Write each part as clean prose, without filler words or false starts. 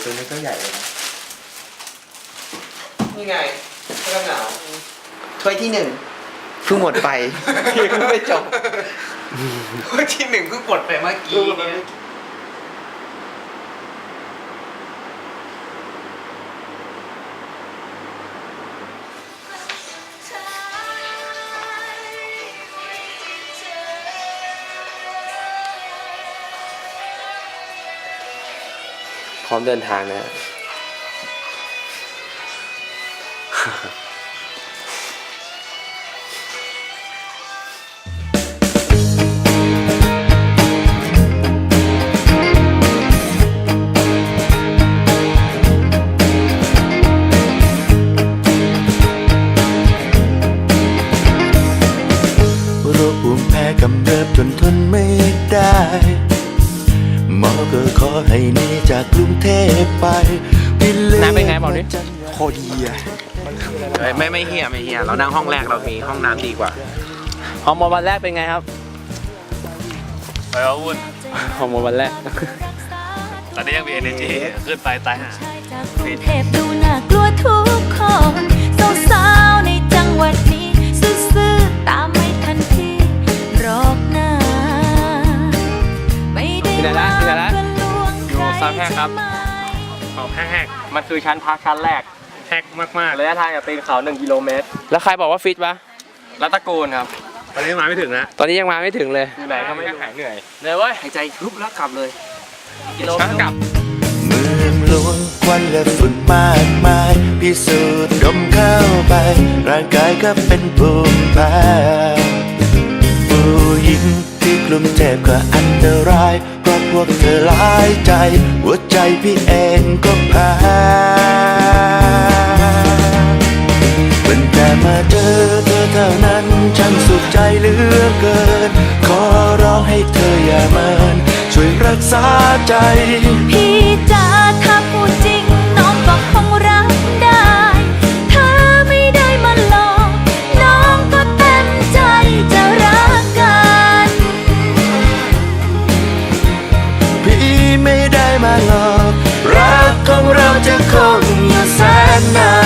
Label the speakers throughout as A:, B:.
A: ตัวนี้ก็ใหญ่เลยนะ
B: นี่ไงเสื้อกันหนาว
A: ถ้วยที่1เพิ่งหมดไปเพิ่งไม่จบ
B: ถ้วยที่1เพิ่งปลดไปเมื่อกี้เนี่ย
C: พร้อมเดินทางนะ
D: โรคภูมิแพ้กำเริบจนทนไม่ได้หมอก็ขอให้หนีจากกรุงเทพไป
C: น้ำเป็นไงบอกดิ
A: โคตรดีอะ
B: ไม่เฮียเรานั่งห้องแรกเรามีห้องน้ำดีกว่า
C: ฮอร์โมนวันแรกเป็นไงครับ
E: ไปเอาวุ่น
C: ฮอร์โมนวันแรก
E: ตอนนี้ยังมี energy ขึ้นไปตายหา
F: จากกรุงเทพดูน่ากลัวทุกคนสาวๆในจังหวัดนี้ซื่อๆตามไม่ทันพี่หรอกนะไม่ได้
C: ที่ไหนละที่ไหนละ
F: เพื่อลวง
E: อยู่ซอยแพร่ครับ
F: ใ
E: ออกแหก
C: มันคือชั้นพักชั้นแรก
E: แหกมากๆเลย
C: ระยะทางจากตีนเขา1 กิโลเมตร แล้วใครบอกว่าฟิตปะ
E: รัตะกูลครับ ตอนนี้มาไม่ถึงนะ
C: ตอนนี้ยังมาไม่ถึงเลย
E: อยู่ไหนก็ไม่หายเหนื่อย
C: เลยเว้ย
B: หายใจรุบแล้วกลับเลย
E: ช้ากลับ
D: เมืองหลวงควันและฝุ่นมากมายพิสูจน์ดมเข้าไป ร่างกายก็เป็นภูมิแพ้ผู้หญิงที่กลุ่มเจ็บก็อันตรายเพราะพวกเธอหลายใจ หัวใจพี่เองก็แพ้เป็นแต่มาเจอเธอเท่านั้นฉันสุขใจเหลือเกิน ขอร้องให้เธออย่าเมินช่วยรักษาใจ
F: พี่จ๋าถ้าพูดจริงน้องก็คงรับได้ ถ้าไม่ได้มาหลอกน้องก็เต็มใจจะรักกัน
D: พี่ไม่ได้มาหลอกรักของเราจะคงอยู่แสนนาน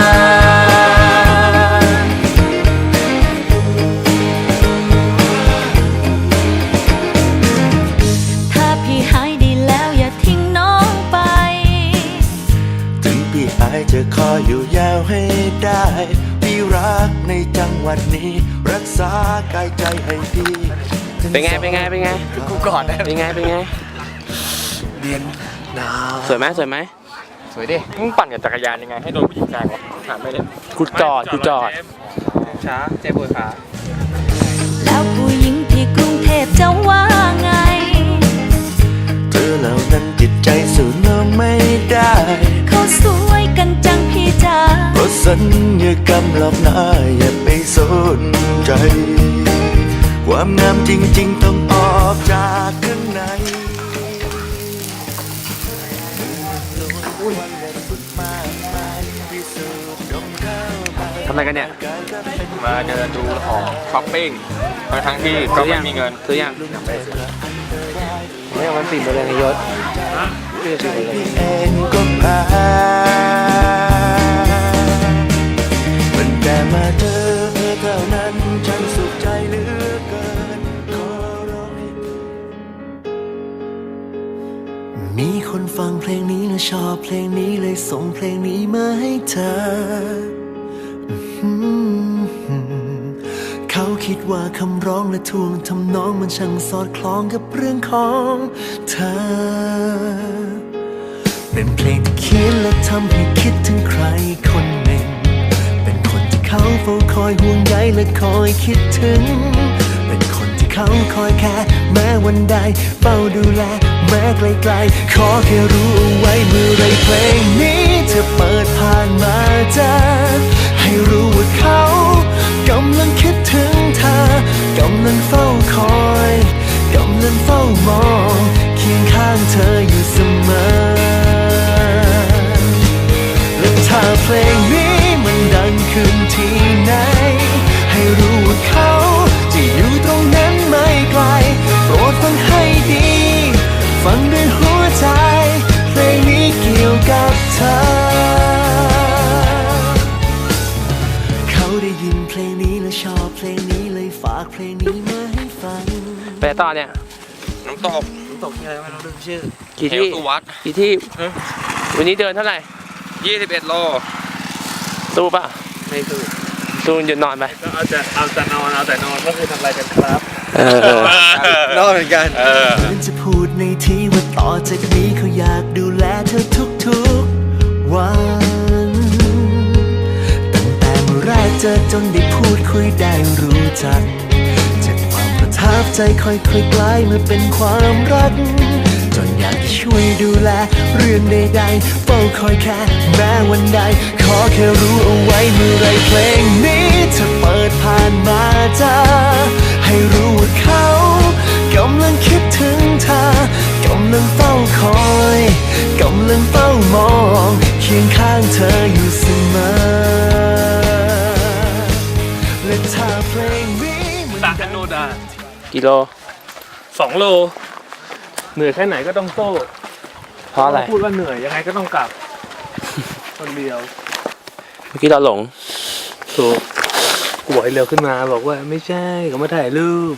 F: ถ้าพี่หายดีแล้วอย่าทิ้งน้องไป
D: ถึงพี่อายจะคอยอยู่ยาวให้ได้ พี่รักในจังหวัดนี้ รักษากายใจให้พี่
C: เป็นไง เป็นไง เป็นไง
B: กูกอดได้
C: เป็นไง เป็นไง
B: เรียนหนาว
C: สวยไหมสวยไหม
B: สวยดิ
E: มึงปั่นกับจักรยานยังไงให้โดนผู้หญิงแซงวะถามไม่ได้
C: กูจอด กูจอด
E: ช้าเจ็บปวดขา
F: แล้วผู้หญิงที่กรุงเทพจะว่าไง
D: เธอเหล่านั้นจิตใจสู้น้องไม่ได้
F: เขาสวยกันจังพี่จ๋า
D: เพราะสัญญากรรมหลอกหน้าอย่าไปสนใจ ความงามจริงๆต้องออกจากข้างใน
C: ทำอะไรกันเนี่ย
E: มาเดินดูของช้อปปิ้งทั้งที่ก็ไม่มีเงิน
C: ซื้อยังไม่เอามันปิดไปเลยนายยศ
D: พี่เองก็แพ้มันแต่มาเจอเธอเท่านั้นฉันสุขใจเหลือเกินขอร้องให้มีคนฟังเพลงนี้และชอบเพลงนี้เลยส่งเพลงนี้มาให้เธอ เขาคิดว่าคำร้องและท่วงทำนองมันช่างสอดคล้องกับเรื่องของเธอ เป็นเพลงที่เขียนและทำให้คิดถึงใครคนหนึ่ง เป็นคนที่เขาเฝ้าคอยห่วงใยและคอยคิดถึง เป็นคนที่เขาคอยแค่แม้วันใดเฝ้าดูแลแม้ไกลๆขอแค่รู้เอาไว้เมื่อไรเพลงนี้จะเปิดผ่านมาเจอให้รู้ว่าเขากำลังคิดถึงเธอกำลังเฝ้าคอยกำลังเฝ้ามองเคียงข้างเธออยู่เสมอและถ้าเพลงนี้มันดังขึ้นที่ไหนให้รู้ว่าเขาจะอยู่ตรงนั้นไม่ไกลโปรดฟังให้ดีฟังด้วยหัวใจเพลงนี้เกี่ยว
C: ต่อเนี่ย
E: น้ำตก
A: ตกที่อะไรไม่รู้ลืมชื่อ
C: กี่
E: เห
C: ที่
E: วสุวัต
C: กี่ที่วันนี้เดินเท่าไหร่
E: 21 โล
C: สู้ป่ะ
A: ไม่ถูก
C: สู้หยุดนอนไป
E: ก็เอาแต่นอนก็คือทำอะไรกันครับ
A: นอกเหมือนกัน
D: ฉันจะพูดในที่ว่าต่อจากนี้เขาอยากดูแลเธอทุกๆวันตั้งแต่เมื่อแรกเจอจนได้พูดคุยได้รู้จักจากความประทับใจค่อยๆกลายมาเป็นความรักจนอยากจะช่วยดูแลเรื่องใดๆเฝ้าคอยแค่แม้วันใดขอแค่รู้เอาไว้เมื่อไรเพลงนี้จะเปิดผ่านมาจะให้รู้ว่าเขากำลังคิดถึงเธอกำลังเฝ้าคอยกำลังเฝ้ามองเคียงข้างเธออยู่เสมอและถ้าเพลงนี้มัน
E: สระอโนดา
C: กิโล
E: 2 โล เหนื่อยแค่ไหนก็ต้องโต้
C: เพราะอะไร
E: พูดว่าเหนื่อยยังไงก็ต้องกลับ คนเดียว
C: เมื่อกี้เราหลง
E: ถูกกูบอกให้เร็วขึ้นมาบอกว่าไม่ใช่เขามาถ่ายรูป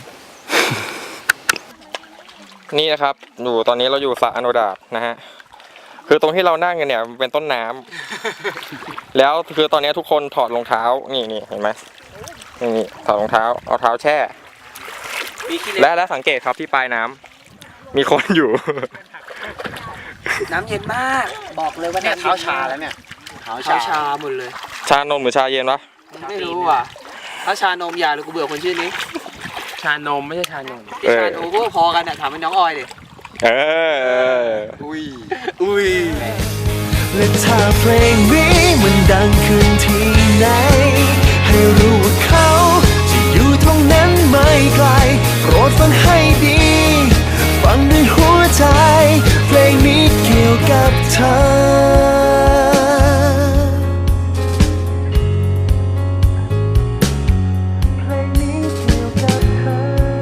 E: นี่นะครับตอนนี้เราอยู่สระอโนดาบนะฮะคือตรงที่เรานั่งกันเนี่ยมันเป็นต้นน้ำ แล้วคือตอนนี้ทุกคนถอดรองเท้านี่เห็นไหมนี่ถอดรองเท้าเอาเท้าแช่และสังเกตครับที่ปลายน้ำมีคนอยู่
A: น้ำเย็นมาก บอกเลยว่าเนี่ยเท้าชาแล้วเนี่ยเท้าชาหมดเลย
E: ชานมหรือชาเย็นวะ
A: ไม่รู้ว่ะถ้าชานมยาหรือกูเบื่อคนชื่อนี้
C: ชานมไม่ใช่ชานม
A: ที่ชานมก็พอกันอ่ะถามเป็นน้องออยดิ
E: อุ้ย
D: และถ้าเพลงนี้มันดังขึ้นที่ไหนให้รู้ว่าเขาจะอยู่ตรงนั้นไม่ไกลโปรดฟังให้ดีฟังด้วยหัวใจเพลงนี้เกี่ยวกับเธอเพลงนี้เกี่ยวกับเธอ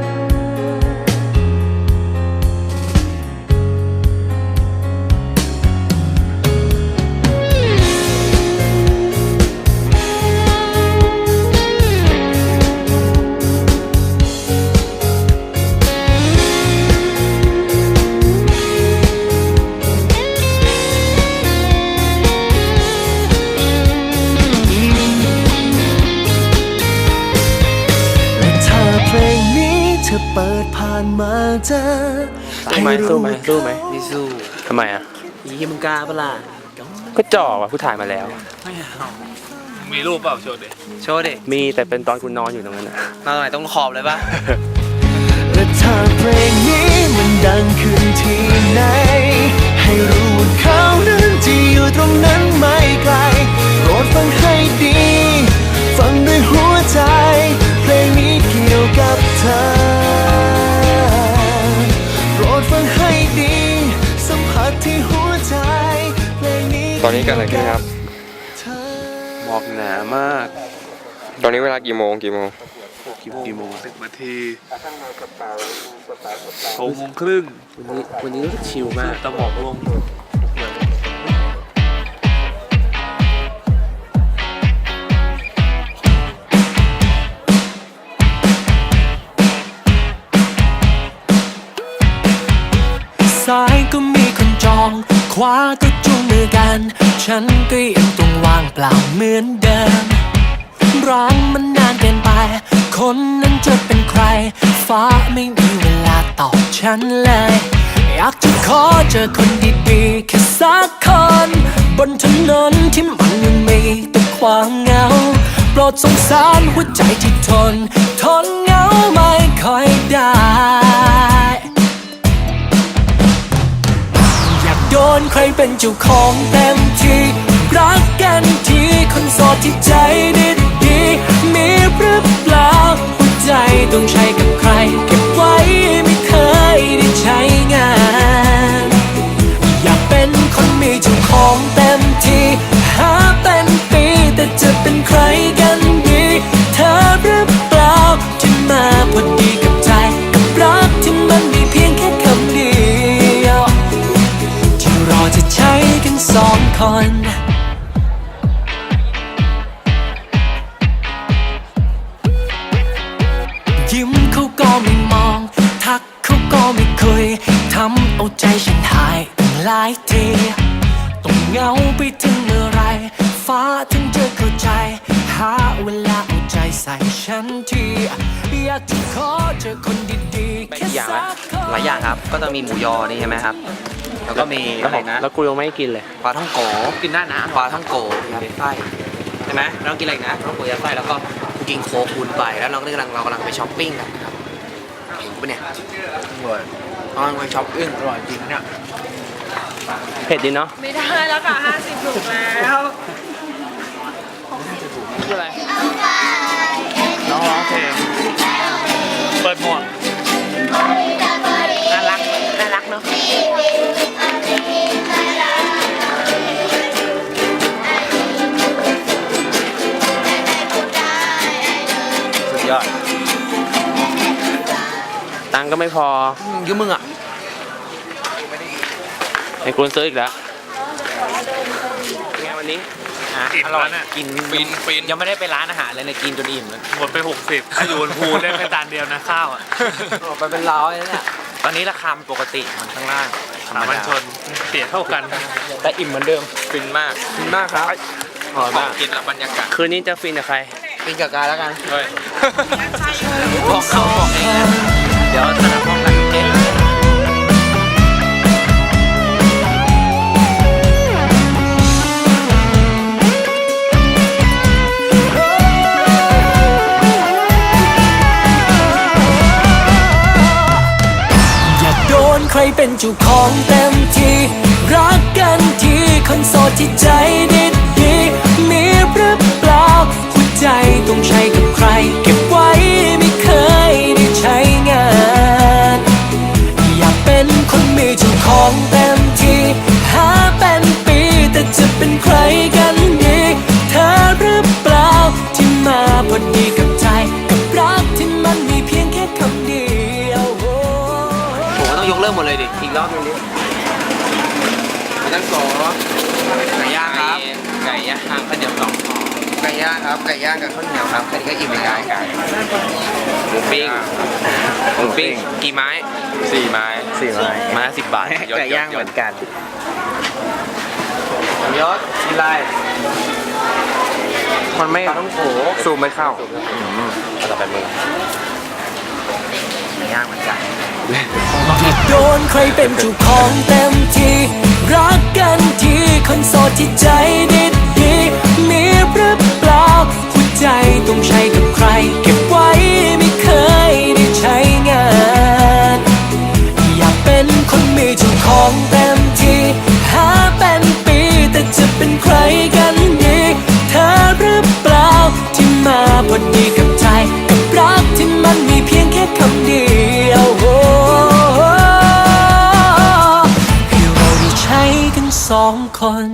D: เปิดผ่านมาเจอ
C: สู้ไหมสู้ไหมสู้ไหม
A: ไม่สู้
C: ทำไมอ่ะ
A: ยี่มึงกล้าปะล่ะ
C: ก็จ่อว่ะผู้ถ่ายมาแล้ว
E: มีรูปเปล่าโชว์ดิ
A: โชว์ดิ
C: มีแต่เป็นตอนคุณนอนอยู่ตรงนั้นนะ
A: มาตรงไหนต้องขอบเลยปะ
D: และถ้าเพลงนี้มันดังขึ้นที่ไหนให้รู้ว่าเขานั้นจะอยู่ตรงนั้นไม่ไกลโปรดฟังให้ดีฟังด้วยหัวใจเพลงนี้เกี่ยวกับเธอโปรดฟังให้ดีสัมผัสที่หัวใจเพลงนี้
E: ตอนนี้กันอะไรขึ้นครับ
C: หมอกหนามาก
E: ตอนนี้เวลากี่โมง
C: กี่โมง
E: 10 นาที
C: ว
E: 6 โมงครึ่ง
C: วันนี้รู้สึกชิลมาก
E: ตะหมอกลง
D: ซ้ายก็มีคนจองขวาก็จูงมือกันฉันก็ยังต้องว่างเปล่าเหมือนเดิมร้างมันนานเกินไปคนนั้นจะเป็นใครฟ้าไม่มีเวลาตอบฉันเลยอยากจะขอเจอคนดีๆแค่สักคนบนถนนที่มันยังมีแต่ความเหงาโปรดสงสารหัวใจที่ทนเหงาไม่ค่อยได้โดนใครเป็นเจ้าของเต็มที่รักกันทีคนโสดที่ใจดีๆมีหรือเปล่าหัวใจต้องใช้กับใครเก็บไว้ไม่เคยได้ใช้งานอยากเป็นคนมีเจ้าของเต็มที่หาเป็นปีแต่จะเป็นใครกันดีเธอหรือเปล่าที่มาพอดีกับใจกับรักที่มันมีเพียงแค่คำเดียวรอจะใช้กันสองคนยิ้มเขาก็ไม่มองทักหายตั้งหลายทีต้องเหงาไปถึงเมื่อไรฟ้าถึงจะเข้าใจหาเวลาเอาใจใส่ฉันทีอยากจะขอเจอคนดีๆแค่สักคน
A: หลายอย่างครับ ก็จะมีหมูยอนี่ใช่ไหมครับ แล้วก็มีอะไรนะ
C: แล้วกูยังไม่กินเลย
A: ปลาท่องโกกินได้นะปลาท่องโกยัดไส้ใช่ไหมเรากินอะไรอีกนะปลาท่องโกยัดไส้แล้วก็กินโค้กคูณไปแล้วเรากำลังไปช้อปปิ้งกันนะครับเห็นปะเนี่ยกำลังไปช้อปปิ้งอร่อยจริงเนี่ย
C: เผ็ดดีเนาะ
G: ไม่ได้แล้วค่ะ50ถูกแล้ว
C: คืออะไร น้องร้องเพลง เปิดหมวก
G: น่ารักเนาะ
C: สุดยอด ตังค์ก็ไม่พอ
A: ยืมมึงอ่ะ
C: ไอ้คุณซื้ออีกแล้วเป็นไงวันนี้
A: อร่อยกินฟินยังไม่ได้ไปร้านอาหารเลยเนี่ยกินจนอิ่มแล้ว
H: หมดไป 60 ถ้าอยู่บนภูได้แค่จานเดียวนะข้าวอ่ะ
A: ไปเป็นร้อยแล้วเนี่ยตอนนี้ราคาปกติมันข้างล่าง
H: สามัญชนเสียเท่ากัน
A: แต่อิ่มเหมือนเดิม
E: ฟินมาก
A: ฟินมากครับอร่อยมาก
E: กินแล้วบรรยากาศ
C: คืนนี้จะฟินกับใคร
A: กินกับกายแล้วกัน
E: เฮ้ย
A: บอกเขาบอกเองนะเดี๋ยวจะนัดห้องกันเอง
D: อยากโดนใครเป็นเจ้าของเต็มที่รักกันทีคนโสดที่ใจดีๆมีหรือเปล่าหัวใจต้องใช้กับใครเก็บไว้ไม่เคยได้ใช้งานอยากเป็นคนมีเจ้าของเต็มที่หาเป็นปีแต่จะเป็นใครกันดีเธอหรือเปล่าที่มาพอดีกับใจกับรักที่มันมีเพียงแค่คำเดียว
A: ผมก็ต้องยกเลิกหมดเลยดิอีกรอบนึงดินั่งสองไก่ย่างครับ
E: ไก่ย่างข้าวเหนียว2ห่อ
A: ไก่ย่างครับไก่ย่างกับข้าวเหนียวครับแค่นี้ก็อิ่มแล้ว
E: หมูปิ้ง
C: หมูปิ้ง
E: กี่ไม้4ไม้
C: 4 ไม้ไม้ละ10 บาท
E: ไก่ย่างเหมือนกัน
A: ยศกินอะไร
C: มันไม่
A: ปลาท่องโก
C: ซูมไม่เข้า
A: เอาต่อไปมือไก่ย่างเหมือนกัน
D: โดนใครเป็นเจ้าของเต็มที่รักกันทีคนโสดที่ใจดีๆมีหรือเปล่าหัวใจต้องใช้กับใครเก็บไว้ไม่เคยได้ใช้งานอยากเป็นคนมีเจ้าของเต็มที่หาเป็นปีแต่จะเป็นใครกันดีเธอหรือเปล่าที่มาพอดีกับใจกับรักที่มันมีเพียงแค่คำเดียวให้เราได้ใช้กัน2 คน